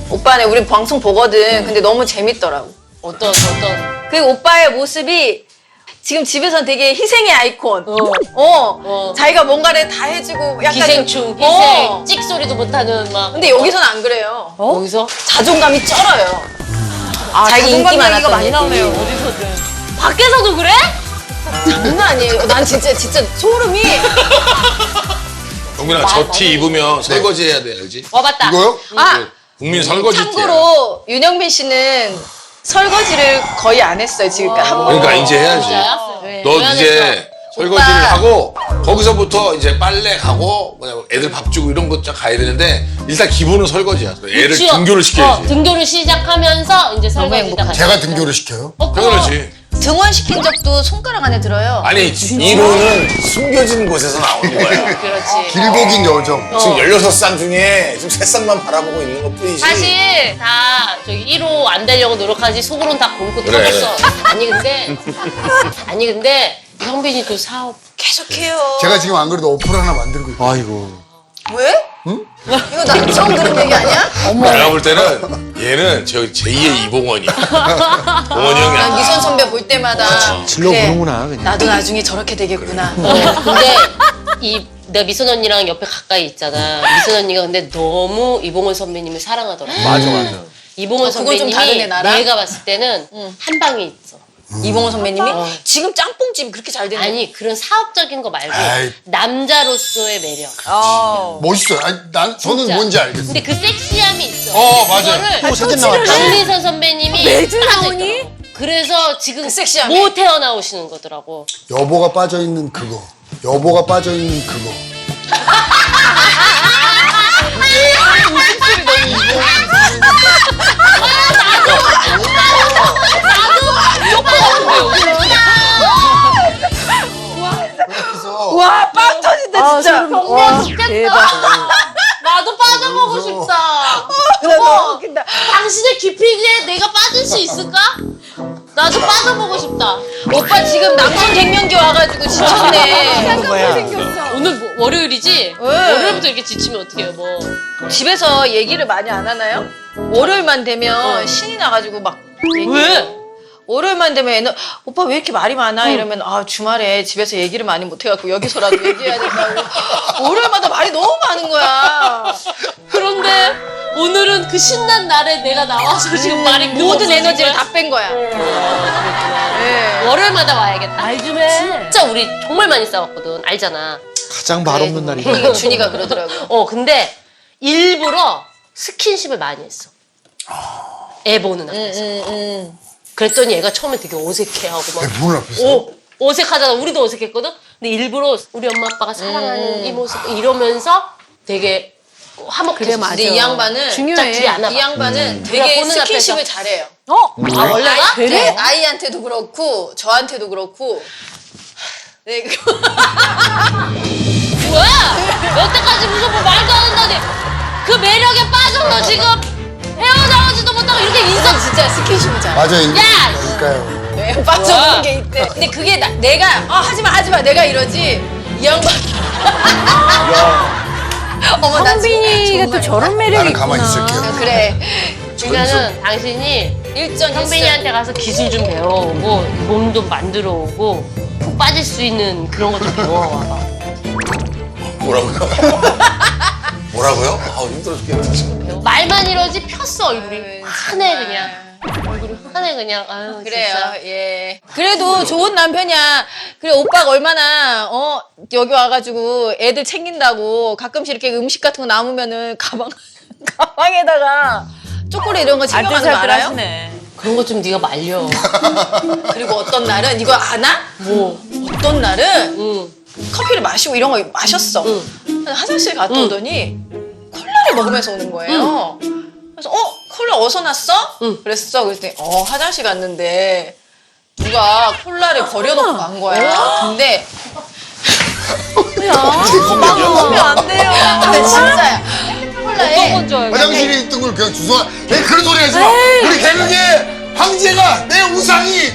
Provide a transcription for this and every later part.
오빠네 우리 방송 보거든. 근데 너무 재밌더라고. 어떤? 그 오빠의 모습이 지금 집에선 되게 희생의 아이콘. 자기가 뭔가를 다 해주고 약간 기생충, 좀- 희생, 찍소리도 못하는 막. 근데 여기서는 안 그래요. 여기서? 자존감이 쩔어요. 자기 인기 자존감 많았던 얘기가 많이 얘기. 나오네요. 어디서든. 밖에서도 그래? 장난 아니에요. 난 진짜 소름이. 영민아 저 티 입으면 설거지 해야 돼 알지? 와봤다. 이거요? 아 국민 설거지 티야. 참고로 윤영빈 씨는 설거지를 거의 안 했어요 지금까지. 한 번. 그러니까 이제 해야지. 진짜요? 너 왜 안 이제 했어? 설거지를 오빠. 하고 거기서부터 이제 빨래 가고 뭐냐, 애들 밥 주고 이런 것 쫙 가야 되는데 일단 기본은 설거지야. 애를 그치요? 등교를 시켜야지. 등교를 시작하면서 이제 설거지다 같이. 제가 등교를 시켜요? 당연하지. 등원시킨 적도 손가락 안에 들어요. 아니 이론은 숨겨진 곳에서 나오는 거야. 그렇지. 길고 긴 여정. 지금 16쌍 중에 지금 3쌍만 바라보고 있는 것 뿐이지. 사실 다 저기 1호 안 되려고 노력하지 속으로는 다 굶고 그래. 터졌어. 아니 근데 형빈이 또 사업 계속해요. 제가 지금 안 그래도 어플 하나 만들고 있어요. 아이고. 왜? 응? 이거 나 처음 들은 얘기 아니야? 내가 볼 때는 얘는 저 제2의 이봉원이야. 봉원이 형이 난 아니야. 미선 선배 볼 때마다 질러 그래, 보는구나, 그냥. 나도 나중에 저렇게 되겠구나. 근데 내가 미선 언니랑 옆에 가까이 있잖아. 미선 언니가 근데 너무 이봉원 선배님을 사랑하더라고. 맞아. 이봉원 그건 좀 다르네, 선배님이 나랑. 내가 봤을 때는 한 방에 있어. 이봉호 선배님이 지금 짱뽕집이 그렇게 잘 되는 아니 그런 사업적인 거 말고 아이. 남자로서의 매력. 멋있어요. 아니, 저는 진짜. 뭔지 알겠어요. 근데 그 섹시함이 있어. 맞아요. 그거를 또 사진 나왔다. 강민선 선배님이 매주 빠져 나오니? 있더라고. 그래서 지금 섹시함이? 못 태어나오시는 거더라고. 여보가 빠져있는 그거. 여보가 빠져있는 그거. 와, 빵 터진다, 진짜. 와, 대박. 나도 빠져보고 싶다. 너무 웃긴다. 당신의 깊이에 내가 빠질 수 있을까? 나도 빠져보고 싶다. 오빠 지금 남성 갱년기 와가지고 지쳤네. 오늘 월요일이지? 월요일부터 이렇게 지치면 어떡해요, 뭐. 집에서 얘기를 많이 안 하나요? 월요일만 되면 신이 나가지고 막 얘기. 왜? 월요일만 되면 애는 오빠 왜 이렇게 말이 많아? 이러면 아 주말에 집에서 얘기를 많이 못해갖고 여기서라도 얘기해야 된다고. 월요일마다 말이 너무 많은 거야. 그런데 오늘은 그 신난 날에 내가 나와서 지금 말이 모든 에너지를 다 뺀 거야. 네. 월요일마다 와야겠다. 말 좀 해. 진짜 우리 정말 많이 싸웠거든. 알잖아. 가장 말 없는 날이. 준이가 그러더라고. 근데 일부러 스킨십을 많이 했어. 애 보는 앞에서. 그랬더니 얘가 처음에 되게 어색해하고 막. 문을 앞에서. 어색하잖아. 우리도 어색했거든. 근데 일부러 우리 엄마 아빠가 사랑하는 이 모습 이러면서 되게 화목해졌어. 근데 이 양반은 중요해. 둘이 안 와봐. 이 양반은 우리가 되게 보는 스킨십을 앞에서. 잘해요. 아 원래가? 네, 아이한테도 그렇고 저한테도 그렇고. 네, 뭐야? 여태까지 무슨 뭐 말도 안 한다니. 그 매력에 빠져서 지금 헤어나오지도 못하고 이렇게 인성. 진짜 스킨십을 잘해. 맞아요. 야! 그러니까요. 네, 빠져보는 게 있대. 근데 그게 내가 하지마 내가 이러지. 이 양반. 어머 나 성빈이가 또 저런 매력이 나는 있구나. 가만히 있을게요. 그래. 그러니까는 당신이 일전 선배님한테 가서 기술 좀 배워오고 몸도 만들어 오고 푹 빠질 수 있는 그런 거 좀 배워와봐. 뭐라고요? 뭐라고요? 아 힘들어 죽겠네 지금. 말만 이러지 폈어 얼굴이. 아유, 환해 정말. 그냥. 얼굴이 환해 그냥. 아유 그래요. 진짜. 예. 그래도 좋은 남편이야. 그래 오빠가 얼마나 여기 와가지고 애들 챙긴다고 가끔씩 이렇게 음식 같은 거 남으면은 가방에다가 초콜릿 이런 거 챙겨가는 거 알아요? 하시네. 그런 거 좀 네가 말려. 그리고 어떤 날은 이거 아나? 뭐? 어떤 날은 응. 커피를 마시고 이런 거 마셨어. 화장실 갔다 오더니 콜라를 먹으면서 오는 거예요. 그래서 콜라 어디서 났어? 그랬어. 그랬더니 화장실 갔는데 누가 콜라를 버려놓고 간 거야. 근데 먹으면 안 돼요. 진짜야. 콜라에 어떤 줄 알고. 화장실에 있던 걸 그냥 주워. 왜 그런 소리 하지 마. 우리 개그계 황제가 내 우상이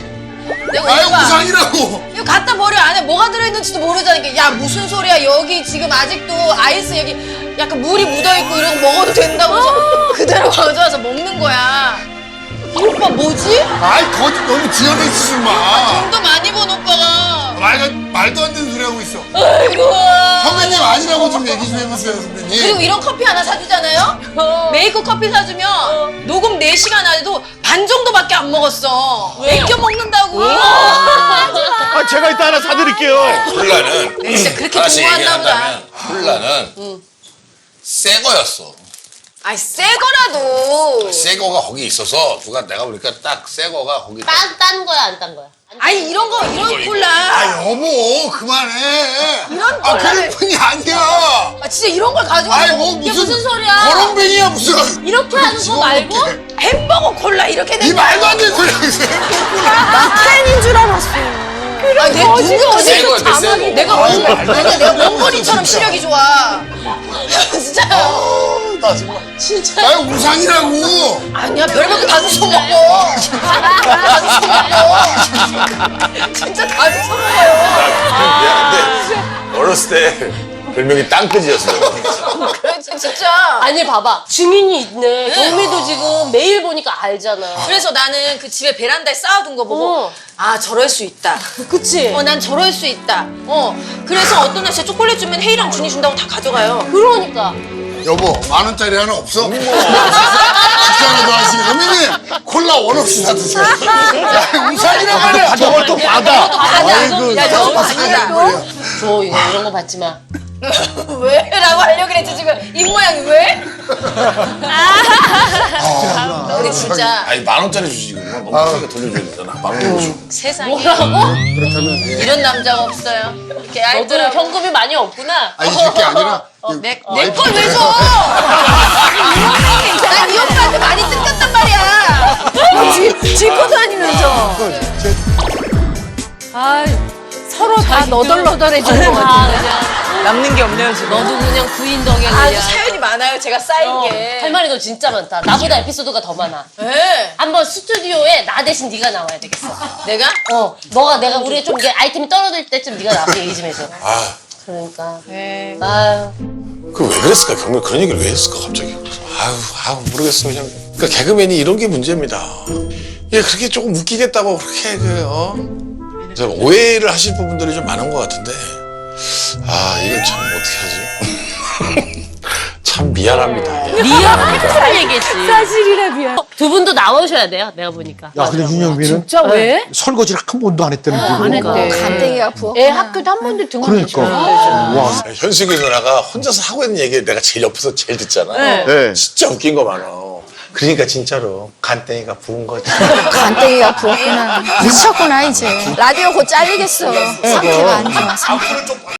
내가 아유 오빠 우상이라고. 이거 갖다 버려. 안에 뭐가 들어있는지도 모르자니까. 야 무슨 소리야. 여기 지금 아직도 아이스 여기 약간 물이 묻어있고 이런 거 먹어도 된다고 해서 그대로 가져와서 먹는 거야. 이 오빠 뭐지? 아이 거짓 너무 지어내지 좀 마. 돈도 많이 번 오빠가. 말도 안 되는 소리 하고 있어. 아이고. 선배님 아니라고 좀 얘기 좀 해보세요 선배님. 그리고 이런 커피 하나 사주잖아요? 메이커 커피 사주면 녹음 4시간 안에도 반 정도밖에 안 먹었어. 아껴 먹는다고. 아, 제가 이따 하나 사드릴게요. 콜라는 내가 진짜 그렇게 하나씩 좋아한다 보다. 얘기한다면 콜라는 새 거였어. 아이 새 거라도. 새 거가 거기 있어서 누가 내가 보니까 딱 새 거가 거기. 딴 거야 안 딴 거야? 아니 이런 거 이런 콜라. 아 여보 그만해. 이런 아 콜라를. 그뿐이 아니야. 아 진짜 이런 걸 가져와. 아이 뭐 이게 무슨 무슨 소리야? 거렁뱅이야 무슨. 이렇게 하는 거 말고? 햄버거 콜라 이렇게 이 된 거. 말도 안 되는 소리 하고 있어. 나 팬인 줄 알았어. 아, 내 눈이 새 거였대, 새 거. 내가 내가 몽골이처럼 시력이 좋아. 진짜요. 나 정말. 진짜. 나 우상이라고. 아니야 별것도 다 주워 먹어. 다 주워 먹어. 진짜 다 주워 먹어요. 미안한데 어렸을 때 별명이 땅끝이었어. 그렇지 진짜. 아니 봐봐 증인이 있네. 경미도 지금 매일 보니까 알잖아. 그래서 나는 그 집에 베란다에 쌓아둔 거 보고 아 저럴 수 있다. 그치? 난 저럴 수 있다. 그래서 어떤 날 진짜 초콜릿 주면 혜이랑 준이 준다고 다 가져가요. 그러니까. 여보 10,000원짜리 하나 없어? 식사라도 하시고 선배님 콜라 원 없이 사드세요. 야, 우상이란 말이야. 저걸 또 받아. 아이고 야, 저거 아니다. 줘 이런 거 받지 마. 왜? 라고 하려고 그랬지 지금 입 모양이 왜? 우리 진짜 아니 10,000원짜리 주지 그러면 너무 크게 돌려줘야 되잖아. 10,000원 줘. 세상에 뭐라고? 이런 남자가 없어요. 이렇게 너도 알더라고. 현금이 많이 없구나. 아니 그게 아니라 내 걸 왜 줘? 난 이 오빠한테 많이 뜯겼단 말이야. 짚고 다니면서. 아, 서로 다 너덜너덜해지는 것 같은데. 그냥 남는 게 없네요, 지금. 너도 그냥 부인 덕에 아주 그냥. 사연이 많아요. 제가 쌓인 게. 할 말이 너 진짜 많다. 나보다 에피소드가 더 많아. 네. 한번 스튜디오에 나 대신 네가 나와야 되겠어. 내가? 내가 우리가 좀 이게 아이템이 떨어질 때쯤 네가 나와서 얘기 좀 해줘. 아, 그러니까. 네. 아유. 그 왜 그랬을까? 경미 그런 얘기를 왜 했을까 갑자기? 아유 모르겠어 그냥. 그러니까 개그맨이 이런 게 문제입니다. 예, 그렇게 조금 웃기겠다고 그렇게 그래서 오해를 하실 부분들이 좀 많은 것 같은데, 아 이건 참 어떻게 하지? 참 미안합니다. 예. 미안한 얘기했지. 사실이라 미안. 두 분도 나오셔야 돼요. 내가 보니까. 야, 근데 윤영빈은 진짜 왜? 설거지를 한 번도 안 했다는 게. 안 했대. 간땡이가 부어. 애 학교도 한 번도 등원 그러니까. 와. 현숙이 누나가 혼자서 하고 있는 얘기를 내가 제일 옆에서 제일 듣잖아. 네. 진짜 웃긴 거 많아. 그러니까 진짜로 간땡이가 부은 거지. 간땡이가 부었구나. 미쳤구나, 이제. 라디오 곧 잘리겠어. 상태가 안 좋아. 앞으로 좀